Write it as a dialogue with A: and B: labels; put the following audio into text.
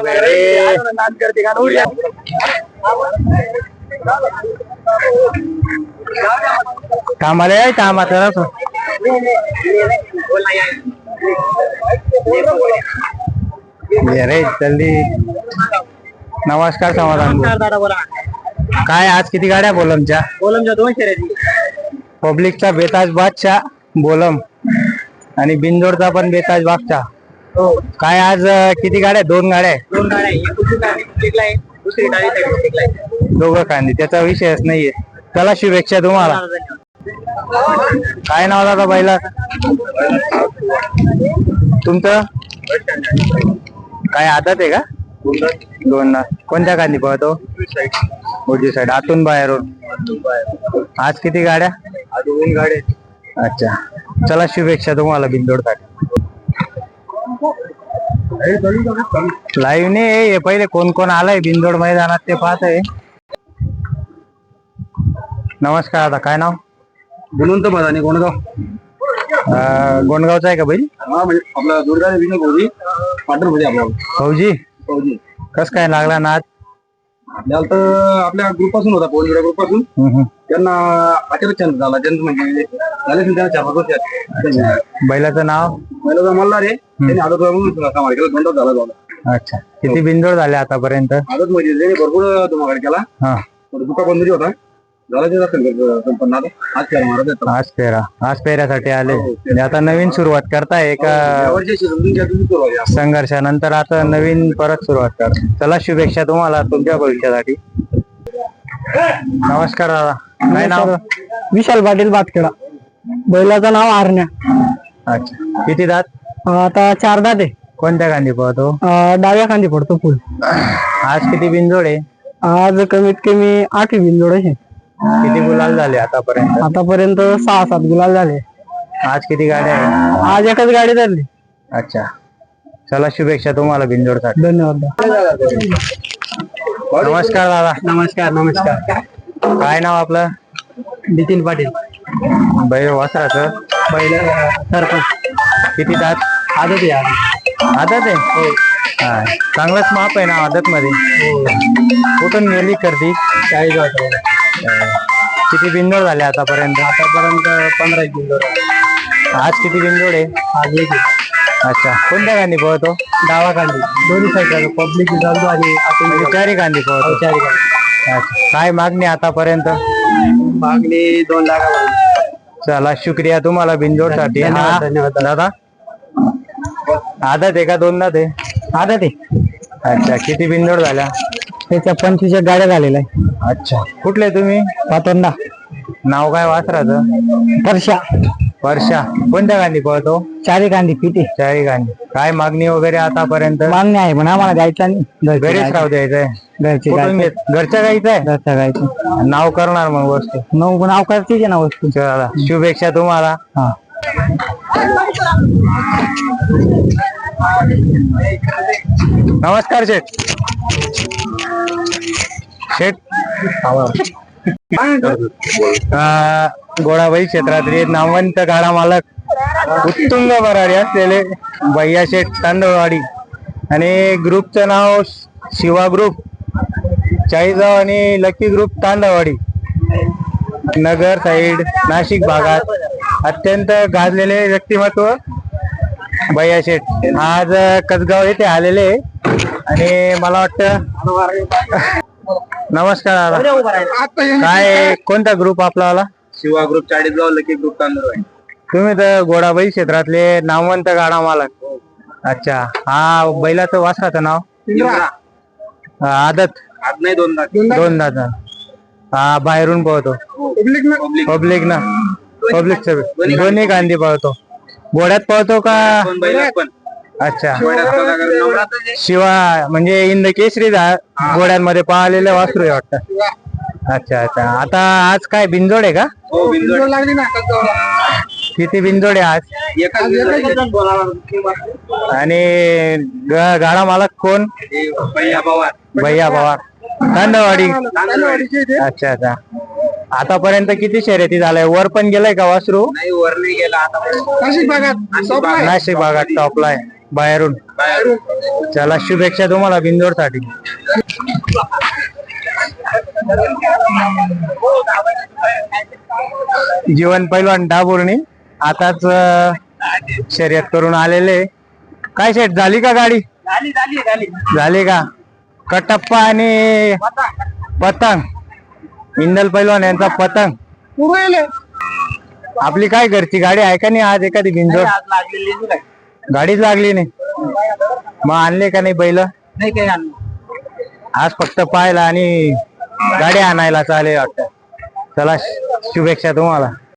A: कामाला आहे कामात रे जल्दी. नमस्कार समाधान.
B: दादा बोला.
A: काय आज किती गाड्या बोलमच्या?
B: बोलमच्या 2 शर्यती.
A: पब्लिकचा बेताज बादशाह बोलम आणि बिंदोडचा पण बेताज बादशाह.
B: हो.
A: काय आज किती गाड्या? 2 गाड्या.
B: 2 गाड्या. एक पब्लिकला आहे, दुसरी डावी साईड पब्लिकला आहे.
A: दोघं कांदी, त्याचा विषयच नाहीये. चला शुभेच्छा तुम्हाला. काय नाव दादा बैला तुमचं? काय आदत आहे का? 2 कोणत्या कांदी पाहतो? उजवी साईड आतून बाहेरून. आज किती गाड्या?
B: 2 गाड्या.
A: अच्छा, चला शुभेच्छा तुम्हाला बिंदोडसाठी. लाईव्ह नाही पहिले कोण कोण आलाय बिंदोड मैदानात ते पाहत आहे. नमस्कार दादा, काय नाव?
B: गुणवंत मदानी गोणगाव.
A: गोंडगावचा आहे का बैल?
B: आपला दुर्गा विजय फौजी पाटण मध्ये. आपला
A: फौजी
B: फौजी
A: कस काय लागला ना आज?
B: आपल्याला तर आपल्या ग्रुप पासून होता, पवन ग्रुप पासून. त्यांना अचानक चंद झाला. चंद म्हणजे झाले त्यांना 4-5 वर्ष.
A: बैलाचं नाव?
B: बैलाचा मल्हार आहे. त्यांनी आदत समार केला, धोंडा झाला.
A: अच्छा, किती बिंदोड झाले आतापर्यंत?
B: आदत म्हणजे त्यांनी भरपूर धुमाकड केला.
A: हा,
B: दुका बंदरी होता.
A: आज पेऱ्यासाठी आले. आता नवीन सुरुवात करताय का? संघर्षानंतर आता नवीन परत सुरुवात कर. चला शुभेच्छा तुम्हाला तुमच्या भविष्यासाठी. नमस्कार दादा, काय नाव?
C: विशाल पाटील बातखेडा. बैलाचं नाव आरण्या.
A: अच्छा, किती दात?
C: आता 4 दात आहे.
A: कोणत्या कांदी पळतो?
C: डाव्या कांदी पडतो फुल.
A: आज किती बिंदोड आहे?
C: आज कमीत कमी 8 बिंदोड आहे.
A: किती गुलाल झाले आतापर्यंत?
C: आतापर्यंत 6-7 गुलाल झाले.
A: आज किती गाड्या आहे?
C: आज एकच गाडी धरली.
A: अच्छा, चला शुभेच्छा तुम्हाला बिंदोडसाठी.
C: धन्यवाद.
A: नमस्कार दादा.
C: नमस्कार. नमस्कार.
A: काय नाव आपलं?
C: नितीन पाटील.
A: बैल वासराचं?
C: बैल सरपंच.
A: किती दात?
C: आदत आहे.
A: आदत आहे?
C: हो.
A: हा, चांगलंच माप आहे ना आदत मध्ये. कुठून गेली करती?
C: 40 वाजता.
A: किती बिंदोड झाले आतापर्यंत?
C: 15 बिंदोड.
A: आज किती बिंदोड आहे?
C: आज एक.
A: अच्छा, कोणत्या गांधी पळतो?
C: डावा कांदी. दोन्ही साईड पब्लिक चालतो आणि आपण
A: 4 गांधी पळतो.
C: 4 गांधी.
A: अच्छा, काय मागणी आतापर्यंत?
C: मागणी 2 लाख.
A: चला शुक्रिया तुम्हाला बिंदोड साठी.
C: धन्यवाद
A: दादा, आदत आहे का 2 दात आहे?
C: आदत आहे.
A: अच्छा, किती बिंदोड झाल्या?
C: त्याच्या 25 गाड्या झालेल्या आहे.
A: अच्छा, कुठले तुम्ही?
C: पातोंडा.
A: नाव काय वासराचं?
C: वर्षा.
A: वर्षा. कोणत्या गांधी पळतो?
C: 4 गांधी पिते.
A: 4 गांधी. काय मागणी वगैरे आतापर्यंत?
C: मागणी आहे पण आम्हाला द्यायचा नाही.
A: घरीच राहू द्यायचंय. घरच्या गाईचं आहे?
C: घरच्या गायचं.
A: नाव करणार मग वस्तू?
C: नाव करते ना वस्तू.
A: चला शुभेच्छा तुम्हाला.
C: हा.
A: नमस्कार शेठ. शेठ, गोडाबाई क्षेत्रातील नामवंत गाडा मालक उत्तुंग भरारी असलेले भैया शेठ तांदळवाडी आणि ग्रुपचं नाव शिवा ग्रुप चाळीसगाव आणि lucky group Tandalwadi, Nagar side Nashik भागात अत्यंत गाजलेले व्यक्तिमत्व भैया शेठ आज कसगाव येथे आलेले. आणि मला वाटतं नमस्कार दादा, काय कोणता ग्रुप आपला आला?
B: Shiva group Chalisgaon, lucky group Tandalwadi.
A: तुम्ही तर गोडाबाई क्षेत्रातले नामवंत गाडा मालक. अच्छा, हा बैलाचं वासराचं नाव? आदत?
B: नाही, 2 दात.
A: 2 दात. हा, बाहेरून पळतो पब्लिक ना? पब्लिकचं दोन्ही गांधी पळतो. घोड्यात पळतो का? अच्छा, शिवा म्हणजे इंद केसरी घोड्यांमध्ये पाळलेलं वासरू आहे वाटतं. अच्छा अच्छा, आता आज काय बिंजोड आहे का?
B: हो, बिंजोड लागली ना.
A: किती बिंजोड आहे आज? आणि गाडा मालक कोण?
B: भैया पवार.
A: भैया पवार, तांदळवाडी. अच्छा अच्छा, आतापर्यंत किती शर्यती झालाय? वर पण गेलाय का वासरू?
B: नाही, वर नाही गेला.
C: नाशिक भागात
A: नाशिक भागात टॉपला आहे. बाहेरून चला शुभेच्छा तुम्हाला बिंदोड साठी. जीवन पैलवान डाबुर्णी आताच शर्यत करून आलेले. काय शेट झाली का गाडी? झाली का? कटप्पा आणि पतंग इंदल पैलवान यांचा पतंग. आपली काय घरची गाडी आहे का नाही आज एखादी बिंदोड? गाडीच लागली नाही. मग आणले का नाही बैल? आज फक्त पाहायला आणि गाडी आणायला चालेल वाटतं. चला शुभेच्छा तुम्हाला.